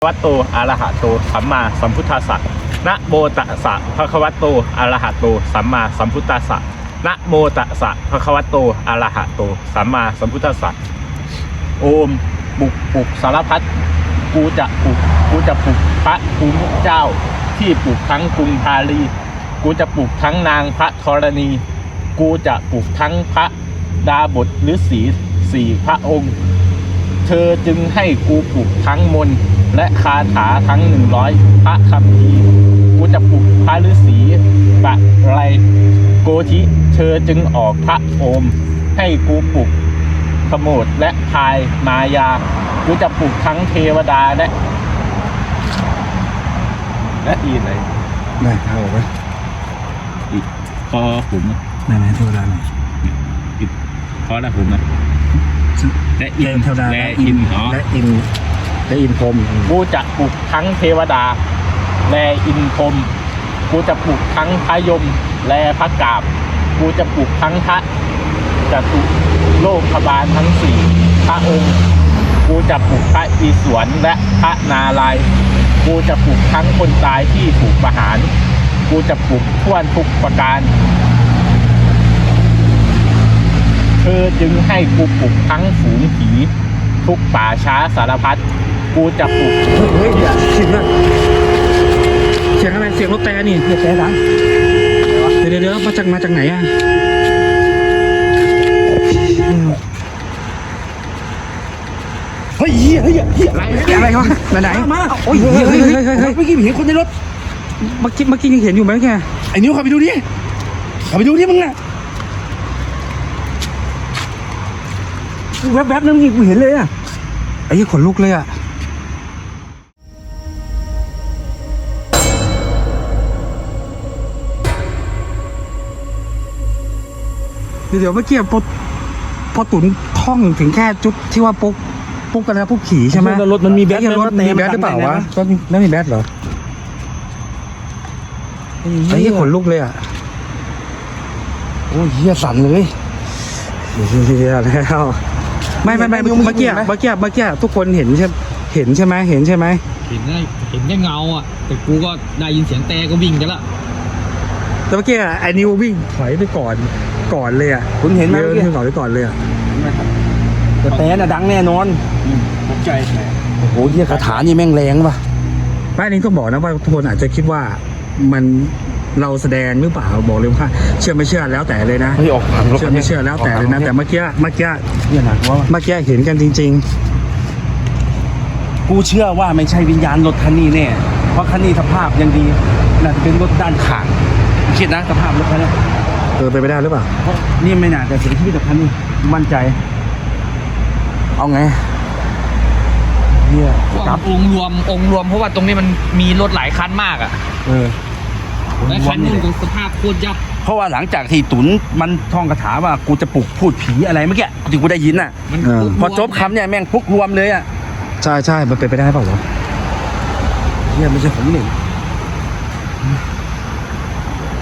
วัตโตอะระหะโตสัมมาสัมพุทธัสสะนะโมตัสสะภะคะวะโตอะระหะโตสัมมาสัมพุทธัสสะนะโมตัสสะภะคะวะโตอะระหะโตสัมมาสัมพุทธัสสะโอมปลุกสารพัดกูจะปลุกพระภูมิเจ้าที่ปลุกทั้งกรุงพาลีกูจะปลุกทั้งนางพระธรณีกูจะปลุกทั้งพระดาบทฤาษีสี่พระองค์เธอจึงให้กูปลุกทั้งมนต์และคาถาทั้ง100พระคัมภีร์กูจะปลุกพระฤาษีปะไรโกธิเธอจึงออกพระโอมให้กูปลุกขโมดและพายมายากูจะปลุกทั้งเทวดาและอีอะไรได้เอาไว้อีกพอผมไหนเทวดาไหนอีกพอแล้วผมนะและอินเทวดาและอินพรหมกูจะปลุกทั้งเทวดาและอินพรหมกูจะปลุกทั้งพระยมและพระกาบกูจะปลุกทั้งพระจตุโลกบาลทั้งสี่พระองค์กูจะปลุกพระอิศวรและพระนารายณ์กูจะปลุกทั้งคนตายที่ถูกประหารกูจะปลุกทั่วทุกประการเธอจึงให้กูปลุกทั้งฝูงผีทุกป่าช้าสารพัดกูจะปลุกเฮ้ยเสียงอะไรเสียงรถแต่นี่เสียงแต่ดังเดี๋ยวมาจากไหนอ่ะเฮ้ยอะไรวะไหนมาโอ้ยเฮ้ยเมื่อกี้เห็นคนในรถเมื่อกี้ยังเห็นอยู่ไหมแกไอ้นิ้วขับไปดูดิมึงน่ะแวบๆนั่นนี่กูเห็นเลยอ่ะไอ้ยี่ขนลุกเลยอ่ะเดี๋ยวเมื่อกี้พอตุ๋นท่องถึงแค่จุดที่ว่าปุ๊กกันแล้วปุ๊กขี่ใช่ไหมรถมันมีแบตรถมีแบตหรือเปล่าวะก็ไม่มีแบตเหรอไอ้ยี่ขนลุกเลยอ่ะโอ้ยเหี้ยสั่นเลยเหี้ยแล้วไม่เมื่อกี้ทุกคนเห็นใช่ไหมเห็นแค่เงาอ่ะแต่กูก็ได้ยินเสียงแต่ก็วิ่งกันละแต่เมื่อกี้ไอ้นิววิ่งถอยไปก่อนเลยอ่ะคุณเห็นไหมเมื่อกี้ถอยไปก่อนเลยอ่ะแต่น่ะดังแน่นอนผมใจโอ้โหเหี้ยคาถานี่แม่งแรงป่ะป้านี้ต้องบอกนะว่าทุกคนอาจจะคิดว่ามันเราแสดงหรือเปล่าบอกเลยว่าเชื่อไม่เชื่อแล้วแต่เลยนะเชื่อไม่เชื่อแล้วแต่เลยนะแต่เมื่อกี้เนี่ยนะว่าเมื่อกี้เห็นกันจริงๆกูเชื่อว่าไม่ใช่วิญญาณรถคันนี้แน่เพราะคันนี้สภาพยังดีน่าจะเป็นรถด้านข้างคิดนะสภาพรถคันนี้ไปไม่ได้หรือเปล่าเพราะนี่ไม่น่าจะเสียชีวิตกับคันนี้มั่นใจเอาไงเนี่ยองค์รวมเพราะว่าตรงนี้มันมีรถหลายคันมากอ่ะและคันนึงของสภาพโคตรยับเพราะว่าหลังจากที่ตุ๋นมันท่องคาถาว่ากูจะปลุกพูดผีอะไรเมื่อกี้ที่กูได้ยินน่ะพอจบคำเนี่ยแม่งพุกรวมเลยอ่ะใช่มันเป็นไปได้เปล่าวะเนี่ยไม่ใช่ของหนึ่ง